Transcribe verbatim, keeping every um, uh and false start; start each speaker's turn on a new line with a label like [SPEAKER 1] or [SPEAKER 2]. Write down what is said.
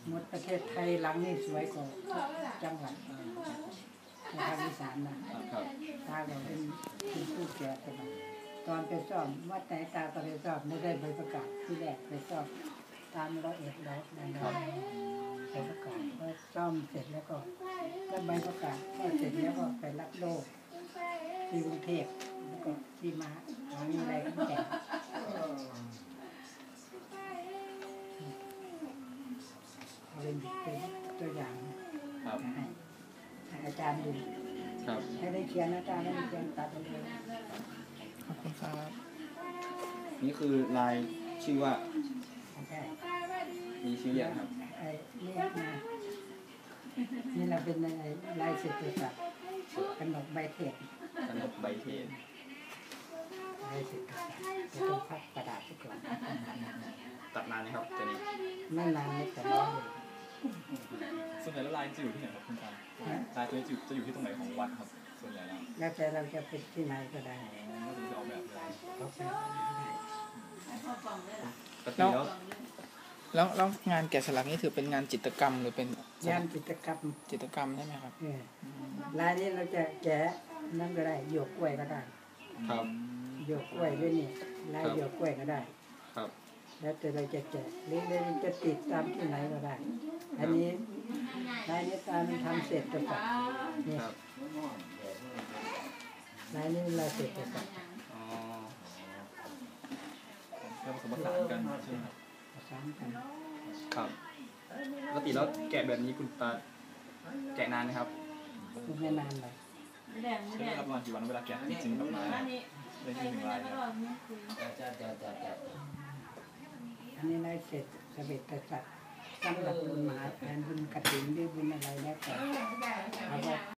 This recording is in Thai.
[SPEAKER 1] หมดประเทศไทยหลังนี่สวยกว่าจังหวัดในภาคอีสานนะตาเราเป็นเป็นผู้แก่ไปหน่อยตอนไปสอบวัดไหนตาก็ไปสอบไม่ได้ใบประกาศที่แรกไปสอบตามร้อยเอ็ดร้อยนั่นแหละใบประกาศก็ซ่อมเสร็จแล้วก็ก็ใบประกาศก็เสร็จแล้วก็ไปรับโลกที่กรุงเทพแล้วก็ที่มาหาวิทยาลัยขอนแก่นเอาเป็นเป็นตัวอย่างให้ให้อาจารย์ดูให้ได้เขียนอาจารย์ได้เขียนตัดเลย
[SPEAKER 2] ขอบคุณครับ
[SPEAKER 3] นี่คือลายชื่อว่า
[SPEAKER 1] ใช่
[SPEAKER 3] มีชื่ออย่างครับ
[SPEAKER 1] ไอ้นี่นะนี่เราเป็นไอ้ลายเศรษฐศาสตร์กำหนดใบเทศ
[SPEAKER 3] กนกใบเทน
[SPEAKER 1] ลายเศรษฐศาสตร์จะต้องพักกระดาษไปก่อน
[SPEAKER 3] ตัดนานไหมครับตัวนี้
[SPEAKER 1] ไม่นานไม่แต่ร้อยเลย
[SPEAKER 4] ส่วนใหญ่แล้วลายจะอยู่ที่ไหนครับคุณตาลายตัวนี้จะอยู่ที่ตรงไหนของวัดครับส่วนใหญ่แล้ว
[SPEAKER 1] แล้วแต่เราจะเป็นที่ไหนก็ได้
[SPEAKER 4] ก็คือจะออกแบบเลย
[SPEAKER 1] เขาไปได้
[SPEAKER 3] ปกติแล้ว
[SPEAKER 2] แล้วแล้วงานแกะสลักนี่ถือเป็นงานจิตรกรรมหรือเป็น
[SPEAKER 1] งานกิจกรรม
[SPEAKER 2] จิตรกรรมใช่ไหมครับ
[SPEAKER 1] เออลายนี้เราจะแกะนั่นก็ได้หยวกกล้วยก็ได้
[SPEAKER 3] ครับ
[SPEAKER 1] หยวกกล้วยด้วยนี่ลายหยวกกล้วยก็ได้
[SPEAKER 3] ครับ
[SPEAKER 1] แล้วแต่เราจะแกะหรือเราจะติดตามที่ไหนก็ได้ อันนี้ลายนี้ตามทำเสร็จตัวสัตว์นี่
[SPEAKER 3] ครับ
[SPEAKER 1] ลายนี้เราเสร็จตัวสัตว์
[SPEAKER 3] อ๋อ
[SPEAKER 4] แล้วผสมผสานกันใช่ไหมครับ
[SPEAKER 1] ประสานกัน
[SPEAKER 3] ครับปกติแล้วแกะแบบนี้คุณตาแกะนานไหมครับ
[SPEAKER 1] คือไม่นานเลย
[SPEAKER 4] ใช้เวลาประมาณกี่วันเวลาแกะจริงๆแบบมาได้ที่หนึ่งลายเนี่ย
[SPEAKER 1] อันนี้ลายเสร็จสำเร็จตัวสัตว์สำหรับบุญมหาแทนบุญกฐินหรือบุญอะไรแล้วแต่เอาว่า